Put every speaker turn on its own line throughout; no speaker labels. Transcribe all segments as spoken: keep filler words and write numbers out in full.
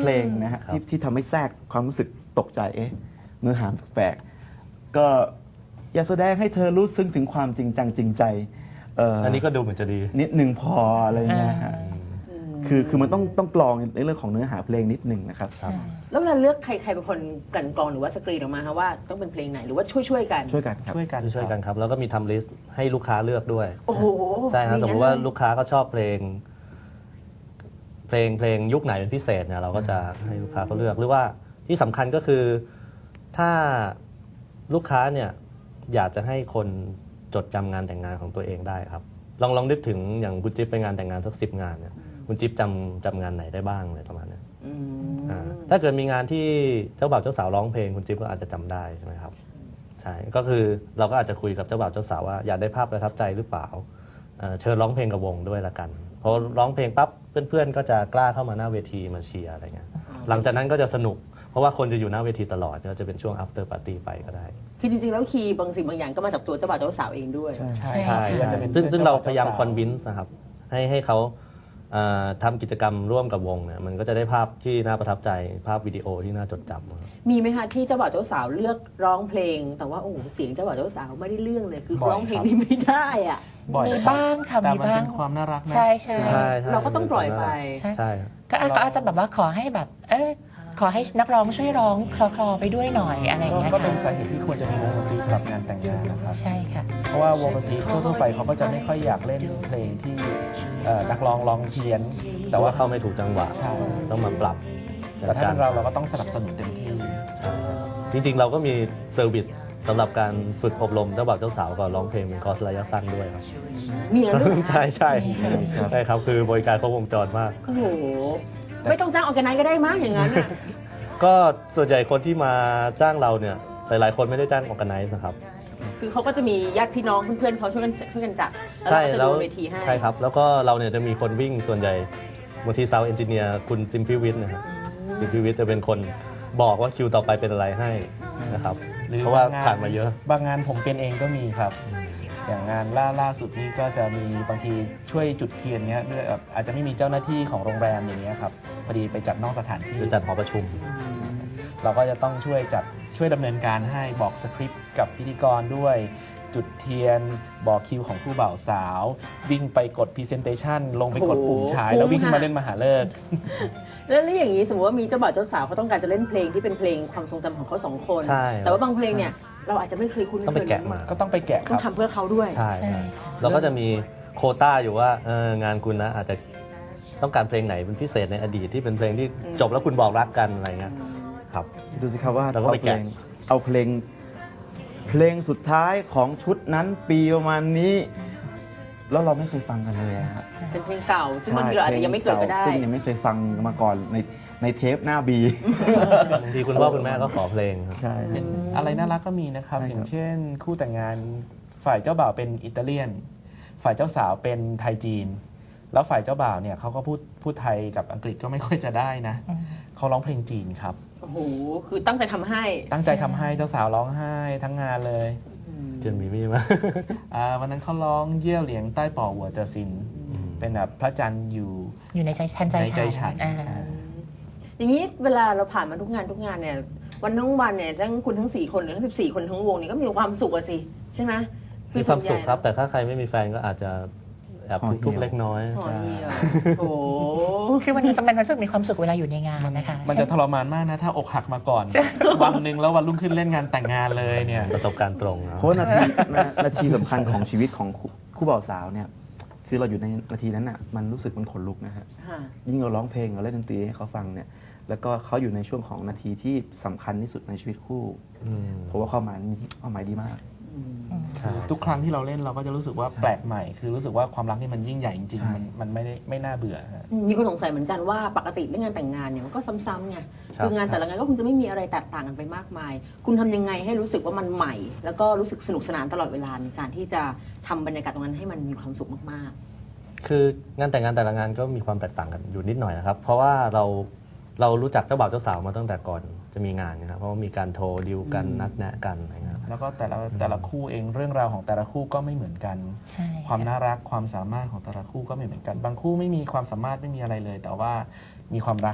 ลงนะฮะที่ที่ทำให้แทรกความรู้สึกตกใจเอ๊ะเนื้อหาแปลกๆก็อยากแสดงให้เธอรู้ซึ้งถึงความจริงจังจริงใจ
อันนี้ก็ดูเหมือนจะดี
นิดหนึ่งพออะไรเงี้ยฮะคือคือมันต้องต้องกรองในเรื่องของเนื้อหาเพลงนิดหนึ่งนะครับ
แล้วเวลาเลือกใครใครเป็นคนกลั่นกรองหรือว่าสกรีนออกมาคะว่าต้องเป็นเพลงไหนหรือว่าช่วยช่วยกัน
ช่วยกันครับ
ช่วยกัน
ช่วยกันครับแล้วก็มีทำลิสต์ให้ลูกค้าเลือกด้วย
โอ้โห
ใช่ครับสมมติว่าลูกค้าก็ชอบเพลงเพลงเพลงยุคไหนเป็นพิเศษเนี่ยเราก็จะให้ลูกค้าเขาเลือกหรือว่าที่สำคัญก็คือถ้าลูกค้าเนี่ยอยากจะให้คนจดจำงานแต่งงานของตัวเองได้ครับลองลองนึกถึงอย่างคุณจิ๊บไปงานแต่งงานสักสิบงานเนี่ยคุณจิ๊บจำจำงานไหนได้บ้างเลยประมาณนี้ถ้าเกิดมีงานที่เจ้าบ่าวเจ้าสาวร้องเพลงคุณจิ๊บก็อาจจะจำได้ใช่ไหมครับใช่ก็คือเราก็อาจจะคุยกับเจ้าบ่าวเจ้าสาวว่าอยากได้ภาพประทับใจหรือเปล่าเชิญร้องเพลงกับวงด้วยละกันพอร้องเพลงปั๊บเพื่อนๆก็จะกล้าเข้ามาหน้าเวทีมาเชียร์อะไรเงี้ยหลังจากนั้นก็จะสนุกเพราะว่าคนจะอยู่หน้าเวทีตลอดก็จะเป็นช่วง after party ไปก็ได้
คือจริงๆแล้วคีย์บางสิ่งบางอย่างก็มาจากตัวเจ้าบ่าวเจ้าสาวเองด้วย
ใช่ใช่ซึ่งซึ่งเราพยายามคอนวินส์นะครับให้ให้เขาทำกิจกรรมร่วมกับวงเนี่ยมันก็จะได้ภาพที่น่าประทับใจภาพวิดีโอที่น่าจดจำ
มีไหมคะที่เจ้าบ่าวเจ้าสาวเลือกร้องเพลงแต่ว่าโอ้โหเสียงเจ้าบ่าวเจ้าสาวไม่ได้เรื่องเลยคือร้องเพลงนี้ไม่ได้อ่ะ
มี
บ้างค่ะมีบ้าง
ความน่ารักนะ
ใช่ใช่
เราก็ต้องปล่อยไป
ใช่
ก็อาจจะแบบว่าขอให้แบบเออขอให้นักร้องช่วยร้องคลอๆไปด้วยหน่อยอะไรอย่างเงี้ย
ก็เป็นสาเหตุที่ควรจะมีวงดนตรีสำหรับงานแต่งงานนะครับ
ใช่ค่ะ
เพราะว่าวงดนตรีทั่วๆไปเขาก็จะไม่ค่อยอยากเล่นเพลงที่นักร้องร้องเพี้ยน
แต่ว่าเข้าไม่ถูกจังหวะต้องมาปรับ
แต่ถ้าเป็นเราเราก็ต้องสนับสนุนเต็มที่
จริงๆเราก็มีเซอร์วิสสำหรับการฝึกอบรมเจ้าบ่าวเจ้าสาวก่อนร้องเพลงเป็นคอร์สระยะสั้นด้วยครับ
มีอะไรด้วย
ใช่ใช่ใช่ครับคือบริการครบวงจรมาก
โอ้โหไม่ต้องจ้างออร์แกไนซ์ก็ได้มั้งอย่างนั้นอ่ะ
ก็ส่วนใหญ่คนที่มาจ้างเราเนี่ยหลายๆคนไม่ได้จ้างออร์แกไนซ์นะครับ
คือเขาก็จะมีญาติพี่น้องเพื่อนๆเขาช่วยกันช่วยกันจัด
ใช่แล้วใช่ครับแล้วก็เราเนี่ยจะมีคนวิ่งส่วนใหญ่บางทีซาวด์เอนจิเนียร์คุณซิมพิวิทย์นะครับซิมพิวิทย์จะเป็นคนบอกว่าคิวต่อไปเป็นอะไรให้นะครับเพราะว่าผ่านมาเยอะ
บางงานผมเป็นเองก็มีครับอย่างงานล่าล่าสุดนี้ก็จะมีบางทีช่วยจุดเทียนเนี้ยอาจจะไม่มีเจ้าหน้าที่ของโรงแรมอย่างเงี้ยครับพอดีไปจัดนอกสถานที่
จัดหอประชุม
เราก็จะต้องช่วยจัดช่วยดำเนินการให้บอกสคริปต์กับพิธีกรด้วยจุดเทียนบอกคิวของผู้บ่าวสาววิ่งไปกด Presentation ลงไปกดปุ่มฉายแล้ววิ่งขึ้นมาเล่นมหาฤกษ์
แล้วอย่างนี้สมมติว่ามีเจ้าบ่าวเจ้าสาวเขาต้องการจะเล่นเพลงที่เป็นเพลงความทรงจำของเขาสองคนแต่ว่าบางเพลงเนี่ยเราอาจจะไม่เคยคุ้นเคย
ต้องไปแกะมา
ก็ต้องไปแกะ
ต้องทำเพื่อเขาด้วย
ใช่เราก็จะมีโควต้าอยู่ว่างานคุณนะอาจจะต้องการเพลงไหนเป็นพิเศษในอดีตที่เป็นเพลงที่จบแล้วคุณบอกรักกันอะไรเงี้ยครับ
ดูสิครับว่า
เราก็ไปแกะ
เอาเพลงเพลงสุดท้ายของชุดนั้นปีประมาณนี้แล้วเราไม่เคยฟังกันเลยครับ
เป็นเพลงเก่าซึ่งบางทีเราอาจจะยังไม่เกิดก็ได้
ซึ่งยังไม่เคยฟังมาก่อนในในเทปหน้าบี
บางทีคุณพ่อคุณแม่ก็ขอเพลง
ใช่
อะไรน่ารักก็มีนะครับอย่างเช่นคู่แต่งงานฝ่ายเจ้าบ่าวเป็นอิตาเลียนฝ่ายเจ้าสาวเป็นไทยจีนแล้วฝ่ายเจ้าบ่าวเนี่ยเขาก็พูดพูดไทยกับอังกฤษก็ไม่ค่อยจะได้นะเขาร้องเพลงจีนครับ
โอ้โหคือตั้งใจทำให้
ตั้งใจทำให้เจ้าสาวร้องไห้ทั้งงานเลย
เจนมีมี่มา
วันนั้นเขาร้องเยี่ยวเหลียงใต้ป่อหัวเจอซินเป็นแบบพระจันทร์อยู่
อยู่ในใจฉันใจฉัน
อย่างนี้เวลาเราผ่านมาทุกงานทุกงานเนี่ยวันทั้งวันเนี่ยทั้งคุณทั้งสี่คนหรือทั้งสิบสี่คนทั้งวงนี่ก็มีความสุขอะสิใช่ไหม
มีความสุขครับแต่ถ้าใครไม่มีแฟนก็อาจจะแอบทุกข์เล็กน้อย
โอ้
คือมันจะเป็นความรู้สึกมีความสุขเวลาอยู่ในงานนะคะ
มันจะทรมานมากนะถ้าอกหักมาก่อนวันหนึ่งแล้ววันรุ่งขึ้นเล่นงานแต่งงานเลยเนี่ย
ประสบการณ์ตรง
เพราะนาทีนาทีสำคัญของชีวิตของคู่บ่าวสาวเนี่ยคือเราอยู่ในนาทีนั้นอ่ะมันรู้สึกมันขนลุกนะฮะยิ่งเราร้องเพลงเราเล่นดนตรีให้เขาฟังเนี่ยแล้วก็เขาอยู่ในช่วงของนาทีที่สำคัญที่สุดในชีวิตคู่เพราะว่าความหมายมีความหมายดีมาก
ทุกครั้งที่เราเล่นเราก็จะรู้สึกว่าแปลกใหม่คือรู้สึกว่าความรักนี่มันยิ่งใหญ่จริงๆมันมันไม่ได้ไม่น่าเบื่อ
มีคนสงสัยเหมือนกันว่าปกติเรื่องงานแต่งงานเนี่ยมันก็ซ้ำๆไงคืองานแต่ละงานก็คงจะไม่มีอะไรแตกต่างกันไปมากมายคุณทำยังไงให้รู้สึกว่ามันใหม่แล้วก็รู้สึกสนุกสนานตลอดเวลาในการที่จะทำบรรยากาศตรงนั้นให้มันมีความสุขมาก
ๆคืองานแต่งงานแต่ละงานก็มีความแตกต่างกันอยู่นิดหน่อยนะครับเพราะว่าเราเรารู้จักเจ้าบ่าวเจ้าสาวมาตั้งแต่ก่อนจะมีงานนะครับเพราะว่ามีการโทรดิวกันนัดแนะกันอะไรเงี้ย
แล้วก็แต่ละแต่ละคู่เองเรื่องราวของแต่ละคู่ก็ไม่เหมือนกันความน่ารักความสามารถของแต่ละคู่ก็ไม่เหมือนกันบางคู่ไม่มีความสามารถไม่มีอะไรเลยแต่ว่ามีความรัก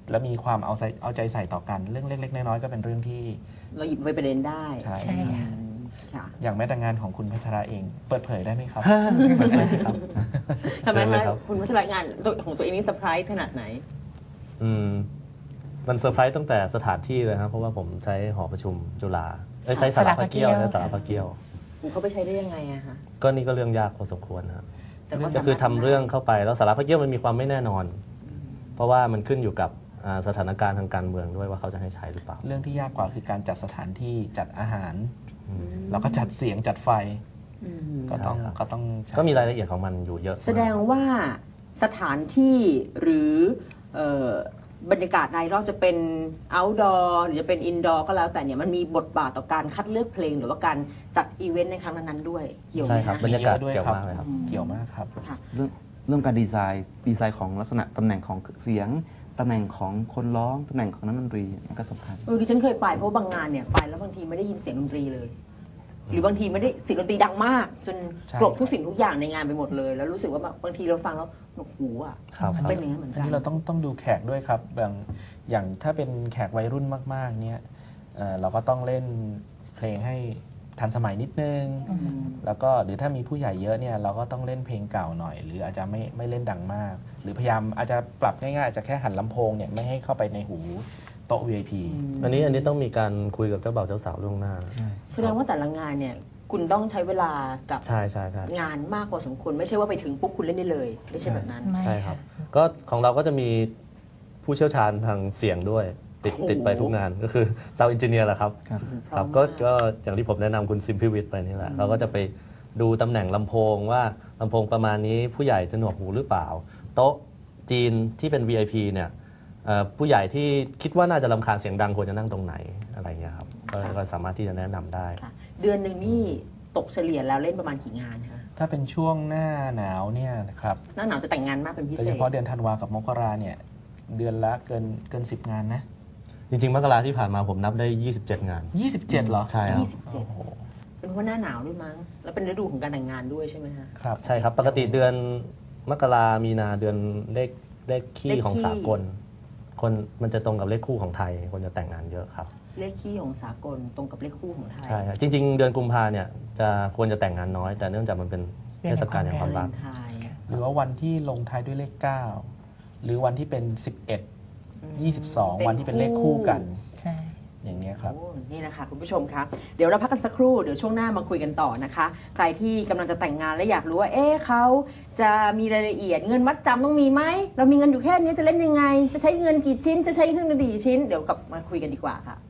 และมีความเอาใจเอาใจใส่ต่อกันเรื่องเล็กๆน้อยๆก็เป็นเรื่องที่
เราหยิบไปประเด็นได้
ใช่
ใช่ค่ะ
ค่ะ
อย่างแม้แต่งานของคุณพัชระเองเปิดเผยได้ไหมครับ
เปิดเผยสิครับ
ทำไม
เชิญเลย
คะ
ครับ
คุณวัชรงานของตัวเองนี่เซอร์ไพรส์ขนาดไหน
อืมมันเซอร์ไพรส์ตั้งแต่สถานที่เลยครับเพราะว่าผมใช้หอประชุมจุฬาเอ้ยใช้สารพัดเกี้ยว
สารพัดเกี้ยว
ใช้สารพัดเกี้ยว
คุณเขาไปใช้ได้ยังไงอะคะ
ก็นี่ก็เรื่องยากพอสมควรนะครับ
แต่ว่า
ก็คือทำเรื่องเข้าไปแล้วสารพัดเกี้ยวมันมีความไม่แน่นอน เพราะว่ามันขึ้นอยู่กับอ่าสถานการณ์ทางการเมืองด้วยว่าเขาจะให้ใช้หรือเปล่า
เรื่องที่ยากกว่าคือการจัดสถานที่จัดอาหาร แล้วก็จัดเสียงจัดไฟ
อืม
ก็ต้อง
ใช่ครับ
ก็ต้องใช้
ก็มีรายละเอียดของมันอยู่เยอะ
แสดงว่าสถานที่หรือเอ่อบรรยากาศรายรอบจะเป็น outdoor หรือจะเป็น indoor ก็แล้วแต่เนี่ยมันมีบทบาทต่อการคัดเลือกเพลง หรือว่าการจัดอีเวนต์ในครั้งนั้นๆด้วยเกี่ยวไหม
ใช่ครับ
คะ
บรรยากาศ
มีเยอะด้วย
เกี่ยว
ครับ
มากเลยครับ
เกี่ยวมากครับ
ค่ะ
เรื่องเรื่องการดีไซน์ดีไซน์ของลักษณะตำแหน่งของเสียงตำแหน่งของคนร้องตำแหน่งของนักดนตรีมันก็สำคัญ
เออดิฉันเคยไปเพราะบางงานเนี่ยไปแล้วบางทีไม่ได้ยินเสียงดนตรีเลย หรือบางทีไม่ได้เสียงดนตรีดังมาก จน
ใช่
กลบทุกสิ่งทุกอย่างในงานไปหมดเลย แล้วรู้สึกว่าบางทีเราฟังแล้วหนวกหูอ่ะ
ครับ
มันเป็นอย่างนั้นเหมือน
อัน
กัน
นี้เราต้องต้องดูแขกด้วยครับอย่างอย่างถ้าเป็นแขกวัยรุ่นมากๆเนี่ยเอ่อเราก็ต้องเล่นเพลงให้ทันสมัยนิดนึง แล้วก็หรือถ้ามีผู้ใหญ่เยอะเนี่ยเราก็ต้องเล่นเพลงเก่าหน่อย หรืออาจจะไม่ไม่เล่นดังมาก หรือพยายามอาจจะปรับง่ายๆอาจจะแค่หันลำโพงเนี่ยไม่ให้เข้าไปในหูโต๊ะ วี ไอ พี
อันนี้อันนี้ต้องมีการคุยกับเจ้าบ่าวเจ้าสาวล่วงหน้า
แสดงว่าแต่ละงานเนี่ยคุณต้องใช้เวลากับ
ใช่ใช่ใช่
งานมากพอสมควรไม่ใช่ว่าไปถึงปุ๊บคุณเล่นได้เลย ไม่ใช่แบบนั้น
ไม่
ใช่ครับ ก็ของเราก็จะมีผู้เชี่ยวชาญทางเสียงด้วย ติด
โอ้โห
ติดไปทุกงานก็คือ Sound Engineer แหละครับ
ครับ
พร้
ค
อ
รั
ม
บก็
มาก
ก็อย่างที่ผมแนะนำคุณซิมพิวิทไปนี่แหละเราก็จะไปดูตำแหน่งลำโพงว่าลำโพงประมาณนี้ผู้ใหญ่จะหนวกหูหรือเปล่า โต๊ะจีนที่เป็น วี ไอ พี เนี่ยเอ่อผู้ใหญ่ที่คิดว่าน่าจะรำคาญเสียงดังควรจะนั่งตรงไหนอะไรเงี้ยครับก็ก็สามารถที่จะแนะนำได้
ค่ะเดือนหนึ่งนี่ตกเฉลี่ยแล้วเล่นประมาณกี่งานคะ
ถ้าเป็นช่วงหน้าหนาวเนี่ยนะครับ
หน้าหนาวจะแต่งงานมากเป็นพิ
โดย
เศ
เฉ
ษ
พาะเดือนธันวากับมกราเนี่ยเดือนละเกินเกินสิบงานนะ
จริงๆมกราที่ผ่านมาผมนับได้ ยี่สิบเจ็ด งาน
ยี่สิบเจ็ดเหรอ
ใช่ครับ
ยี่สิบเจ็ดเป็นเพราะหน้าหนาวด้วยมั้ง แล้วเป็นฤดูของการแต่งงานด้วยใช่ไหมคะ
ครับ
ใช่ครับ ปกติเดือนมกรามีนาเดือนเลขเลขขี้
เลขขี้
ของสากล คนมันจะตรงกับเลขคู่ของไทย คนจะแต่งงานเยอะครับ
เลขขี้ของสากลตรงกับเลขคู่ของไทย
ใช่ครับจริง ๆ เดือนกุมภาเนี่ยจะควรจะแต่งงานน้อย แต่เนื่องจากมันเป็นเทศกาลแห่งความรัก
วาเลนไทน์
หรือว่าวันที่ลงท้ายด้วยเลขเก้าหรือวันที่เป็นสิบเอ็ด ยี่สิบสอง วันที่เป็นเลขคู่กัน
ใช่
อย่างเนี้ยครับ
โอ้นี่นะคะคุณผู้ชมคะเดี๋ยวเราพักกันสักครู่ เดี๋ยวช่วงหน้ามาคุยกันต่อนะคะ ใครที่กำลังจะแต่งงานและอยากรู้ว่า เอ๊ะเขาจะมีรายละเอียดเงินมัดจำต้องมีไหม เรามีเงินอยู่แค่นี้จะเล่นยังไง จะใช้เงินกี่ชิ้น จะใช้เครื่องดนตรีกี่ชิ้น เดี๋ยวกลับมาคุยกันดีกว่าค่ะ